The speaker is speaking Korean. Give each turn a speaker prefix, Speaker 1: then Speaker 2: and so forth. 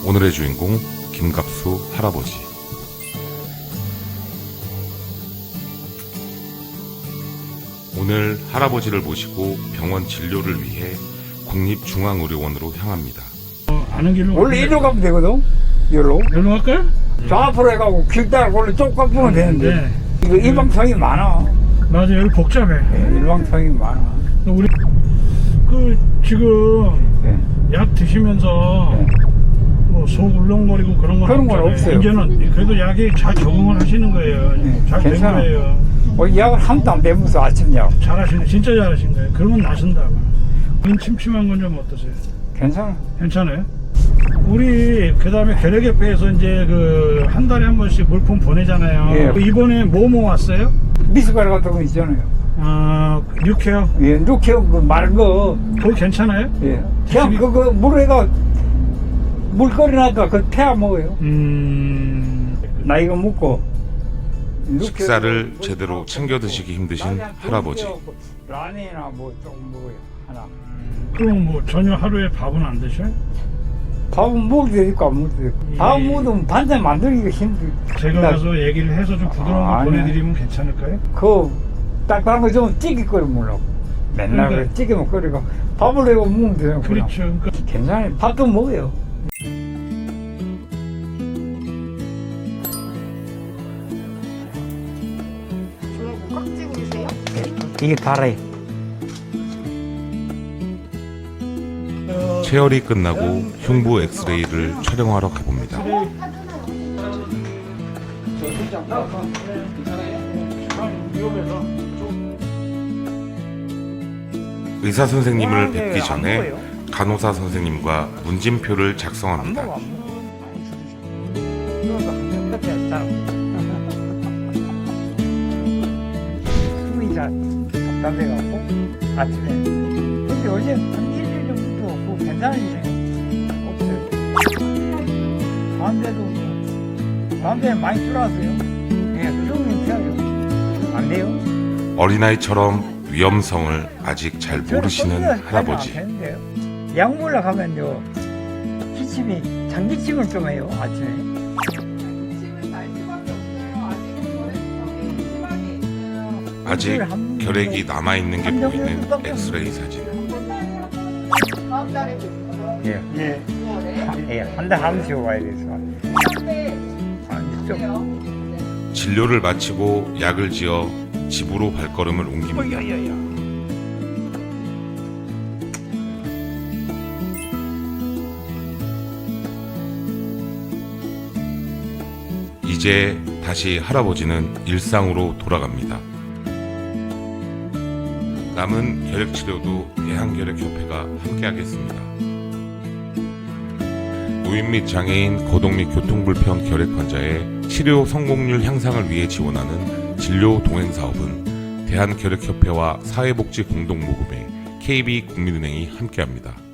Speaker 1: 오늘의 주인공 김갑수 할아버지. 오늘 할아버지를 모시고 병원 진료를 위해 국립중앙의료원으로 향합니다.
Speaker 2: 아는 길로
Speaker 3: 원래 이리로 가면 되거든. 이리로.
Speaker 2: 여기로 갈까요?
Speaker 3: 저 앞으로 해가고 길 따라 원래 쭉 가보면 되는데.
Speaker 2: 네.
Speaker 3: 이거 일방통이 많아.
Speaker 2: 맞아, 여기 복잡해.
Speaker 3: 예, 일방통이 많아.
Speaker 2: 우리 지금
Speaker 3: 예.
Speaker 2: 약 드시면서
Speaker 3: 예.
Speaker 2: 뭐 속 울렁거리고 그런 건
Speaker 3: 그런 건
Speaker 2: 없잖아요.
Speaker 3: 없어요.
Speaker 2: 이제는 그래도 약이 잘 적응을 하시는 거예요.
Speaker 3: 예,
Speaker 2: 잘 된
Speaker 3: 괜찮아.
Speaker 2: 거예요.
Speaker 3: 약을 한도 안 빼면서 아침 약.
Speaker 2: 잘하시네, 진짜 잘하신 거예요. 그러면 나선다고. 눈 침침한 건 좀 어떠세요?
Speaker 3: 괜찮아.
Speaker 2: 괜찮아요? 우리 그다음에 결핵협회에서 이제 그 한 달에 한 번씩 물품 보내잖아요.
Speaker 3: 예.
Speaker 2: 이번에 뭐 왔어요?
Speaker 3: 미숫가루 같은 거 있잖아요.
Speaker 2: 아, 육회요?
Speaker 3: 예, 누케어 그 마른 거.
Speaker 2: 그거 괜찮아요?
Speaker 3: 예. 그냥 그거 물에가 물 끓여놨다가 그 태워 먹어요. 나 이거 먹고.
Speaker 1: 식사를 제대로 챙겨 드시기 힘드신 할아버지.
Speaker 3: 라면이나 뭐 조금 먹어요. 하나.
Speaker 2: 그럼 뭐 전혀 하루에 밥은 안 드셔요?
Speaker 3: 밥은 먹을 때 있고 안 먹을 때 있고. 밥 먹으면 반찬 만들기가 힘들어.
Speaker 2: 제가 가서 얘기를 해서 좀 부드러운 거
Speaker 3: 아니야.
Speaker 2: 보내드리면 괜찮을까요?
Speaker 3: 그 딱딱한 거 좀 찌개 끓여 먹으려고. 맨날
Speaker 2: 그러니까.
Speaker 3: 그래 찌개만 끓이고 밥을 내고 먹으면 되잖아.
Speaker 2: 그렇죠. 그러니까
Speaker 3: 괜찮아요. 밥도 먹어요.
Speaker 4: 왜 꽉 쥐고 계세요?
Speaker 3: 이게 달아요.
Speaker 1: 체열이 끝나고 흉부 엑스레이를 촬영하러 가봅니다. 의사 선생님을 뵙기 전에 간호사 선생님과 문진표를 작성합니다.
Speaker 3: 숨이 잘 답답해갖고 아침에. 근데 어제 한 일주일 정도 그 괜찮으시네요. 없어요. 다음에는 많이 줄었어요. 예, 숨이 튀어요. 안 돼요.
Speaker 1: 어린아이처럼 위험성을 아직 잘 모르시는 할아버지.
Speaker 3: 약 먹으러 가면요 기침이 장기침을 좀 해요 아침에.
Speaker 4: 침을 날 수밖에 없어요. 아직은 결핵성이 심하게 있어요.
Speaker 1: 아직 결핵이 남아있는 게 보이는 엑스레이 사진.
Speaker 4: 다음 달에 뵙고요.
Speaker 3: 예,
Speaker 2: 예.
Speaker 4: 6월에.
Speaker 3: 예, 한 달 한 번씩 와야 돼서.
Speaker 4: 그런데
Speaker 3: 좀
Speaker 1: 진료를 마치고 약을 지어 집으로 발걸음을 옮깁니다. 이제 다시 할아버지는 일상으로 돌아갑니다. 남은 결핵 치료도 대한결핵협회가 함께하겠습니다. 노인 및 장애인, 거동 및 교통불편 결핵 환자의 치료 성공률 향상을 위해 지원하는 진료 동행 사업은 대한결핵협회와 사회복지 공동모금회 KB국민은행이 함께합니다.